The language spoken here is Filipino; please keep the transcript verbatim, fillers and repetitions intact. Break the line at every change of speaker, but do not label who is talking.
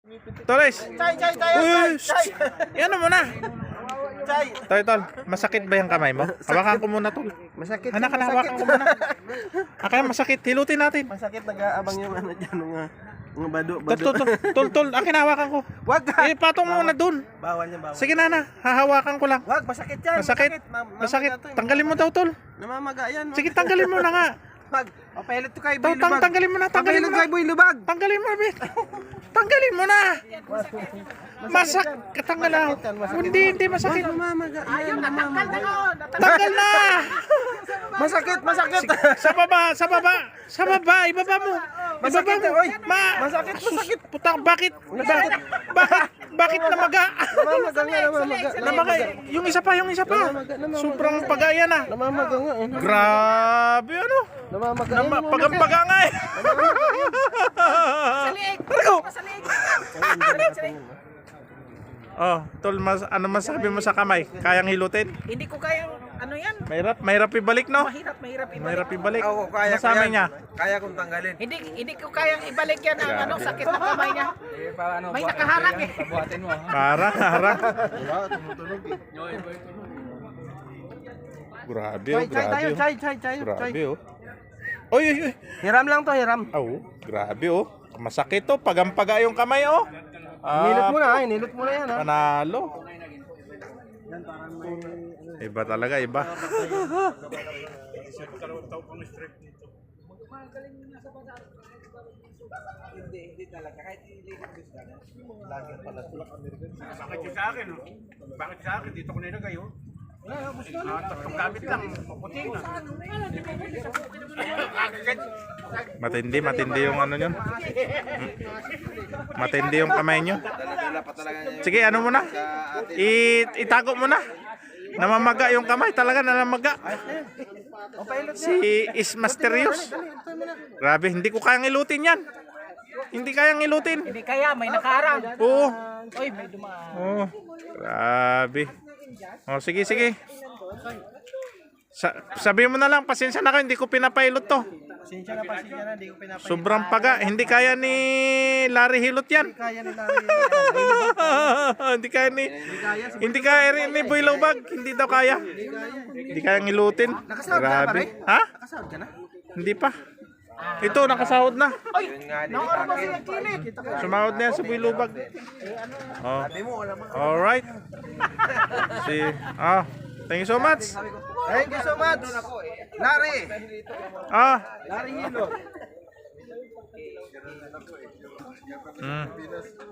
Toles.
Chay, chay, tayo,
Uy,
chay,
shh,
chay.
yan mo na.
Chay.
Tol, tol, masakit ba yung kamay mo? Hawakan ko muna, tol.
Masakit.
Anak,
masakit.
hawakan ko muna. Akala masakit, hilutin natin.
Masakit, nag-aabang yung ano dyan, mga, mga bado,
Tol,
bado.
tol, tol, tol, tol, akin hawakan ko.
Wag ka.
Eh, patong mo na dun.
Bawal yan, bawal.
Sige, nana, hahawakan ko lang.
Wag, masakit yan.
Masakit,
Ma- mamaga
masakit.
to, eh.
Tanggalin mo daw, tol.
Namamaga yan.
Sige, tanggalin mo na nga.
Wag. Papahilit to kay
Tol,
Boy
tang
Lubag.
tanggalin mo na, tanggalin mo
Papahilit
na.
kay Boy Lubag.
Tanggalin mo, bit. Tanggalin mo na. Masak, katanggal na. Hindi, hindi masakit.
Namamaga yan. Namamaga.
Tanggal na.
Masakit, masakit.
Sa baba, sa baba, sa baba, ibaba mo.
Masakit,
Ibaba mo.
oy.
Ma,
Masakit, masakit.
Putang, bakit? Bakit? Bakit? Bakit namaga?
Namamaga nga, namamaga.
Namaga, yung isa pa, yung isa pa. Sobrang pagaya na.
Namamaga nga. eh.
Grabe, ano?
Namamaga.
Nama, pagampaga nga eh. Ano? Oh, tol, mas, ano masabi mo sa kamay? Kayang hilutin?
Hindi ko kayang ano yan.
Mahirap, mahirap ibalik, no?
Mahirap, mahirap ibalik.
Mahirap ibalik.
Oo, kaya ko
Masabi
yan.
niya.
Kaya kong tanggalin.
Hindi hindi ko kayang ibalik yan ang ano sakit ng kamay niya. May nakaharang eh.
Para, para. Grabe, oh,
Chay, chay tayo,
grabe.
chay, chay, chay.
Oh.
chay.
Grabe, oh. Oy, oy, oy.
Hiram lang to, hiram.
Oh, grabe, oh. Masakit, oh. Pagampaga yung kamay, oh.
Nilot
Ah,
mo na, ay, nilot mo na yan, ha.
panalo. Iba talaga, iba.
Bakit yung sa akin? Oh? Bakit sa akin? Dito ko nilagay, oh. Ah, tatlong gamit lang. Maputi na.
Matindi, matindi yung ano nyo. Matindi yung kamay nyo. Sige, ano mo na? I itago mo na. Namamaga yung kamay, talaga namamaga. Si is mysterious. Grabe, hindi ko kayang ilutin yan. Hindi kayang ilutin.
Hindi kaya may nakaharang.
Oo.
Oy, may dumaan.
Oh, grabe. Oh, sige, sige. Sa sabi mo na lang, pasensya na kayo, hindi ko pinapailot to.
Pasensya na, pasensya na, hindi ko pinapay.
Sobrang paga, hindi kaya ni Larry Hilot yan.
Kaya nila.
Hindi kaya ni Hindi kaya rin ni Boy Lubag, hindi daw kaya. Hindi kaya ngilutin.
Nakasahod ka na, pare?
Grabe. Ha?
Nakasahod ka na?
Hindi pa. Ito, nakasahod na.
Nakuha ba siya kilit?
Sumahod na yan sa Boy Lubag. Oh. Alright. Si, ah, thank you so much.
Thank you so much. Larry.
Ah.
Larry Hilo.
Mm.